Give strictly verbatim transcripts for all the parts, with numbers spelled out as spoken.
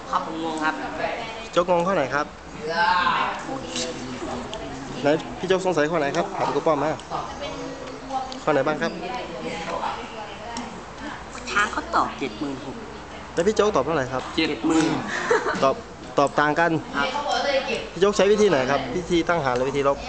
ครับผมงงครับโจ๊กงงข้อไหนครับไหนพี่โจ๊กสงสัยข้อไหนครับถามกูป้อมมาข้อไหนบ้างครับช้างเขาตอบเจ็ดหมื่นหกแล้วพี่โจ๊กตอบเท่าไหร่ครับเจ็ดหมื่นตอบตอบต่างกันพี่โจ๊กใช้วิธีไหนครับวิธีตั้งหารหรือวิธีลบ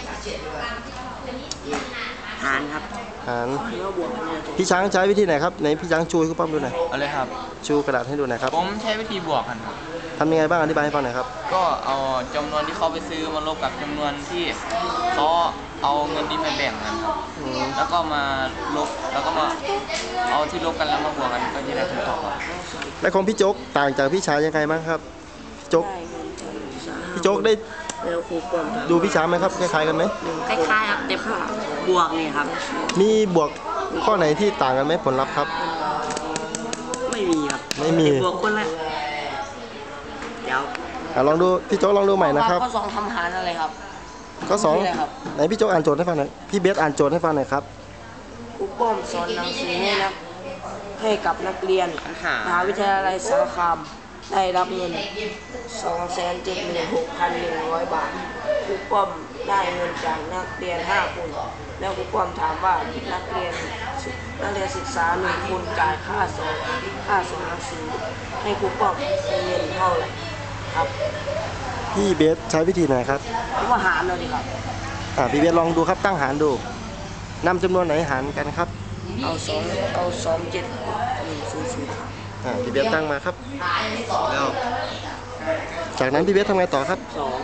หารครับหารพี่ช้างใช้วิธีไหนครับไหนพี่ช้างชูให้คุณป้อมดูหน่อยอะไรครับชูกระดาษให้ดูหน่อยครับผมใช้วิธีบวกกันครับทำยังไงบ้างอธิบายให้ฟังหน่อยครับก็เอาจำนวนที่เขาไปซื้อมาลบกับจำนวนที่เขาเอาเงินนี้มาแบ่งกันครับแล้วก็มาลบแล้วก็มาเอาที่ลบกันแล้วมาบวกกันก็จะได้คำตอบครับและของพี่โจ๊กต่างจากพี่ช้างยังไงบ้างครับพี่โจ๊กพี่โจ๊กได้ดูพี่ช้างไหมครับคล้ายๆกันไหมคล้ายๆครับแต่บวกนี่ครับมีบวกข้อไหนที่ต่างกันไหมผลลัพธ์ครับไม่มีครับไม่มีบวกคนละเดี๋ยวลองดูพี่โจ๊กลองดูใหม่นะครับข้อสองทำหารอะไรครับข้อสองไหนพี่โจ๊กอ่านโจทย์ให้ฟังหน่อยพี่เบสอ่านโจทย์ให้ฟังหน่อยครับครูป้อมสอนหนังสือให้นักให้กับนักเรียนมหาวิทยาลัยสารคามได้รับเงิน สองแสนเจ็ดหมื่นหกพันหนึ่งร้อย บาทครูป้อมได้เงินจากนักเรียนห้าคนแล้วครูป้อมถามว่านักเรียนนักเรียนศึกษาหนึ่งคนจ่ายค่าสอนค่าสอนหนังสือให้ครูป้อมเงินเท่าไหร่ครับพี่เบสใช้วิธีไหนครับว่าหารเลยครับอ่าพี่เบสลองดูครับตั้งหารดูนำจำนวนไหนหารกันครับเอาสองเอาสองเจ็ดหนึ่งศูนย์ศูนย์อ่าพี่เบสตั้งมาครับแล้วจากนั้นพี่เบสทำไงต่อครับสอง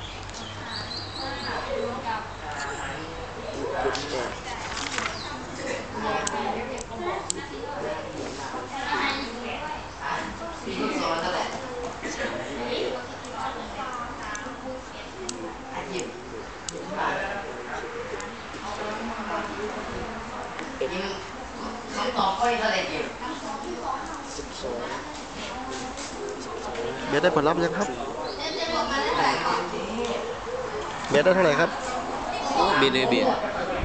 เบสได้ผลลัพธ์ยังครับเบสได้เท่าไหร่ครับเบสเลยเบส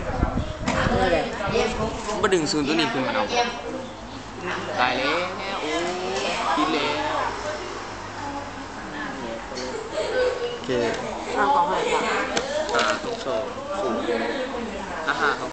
มาดึงศูนย์ตัวนี้ขึ้นมาเอาตายแล้วโอ้กินแล้วโอเค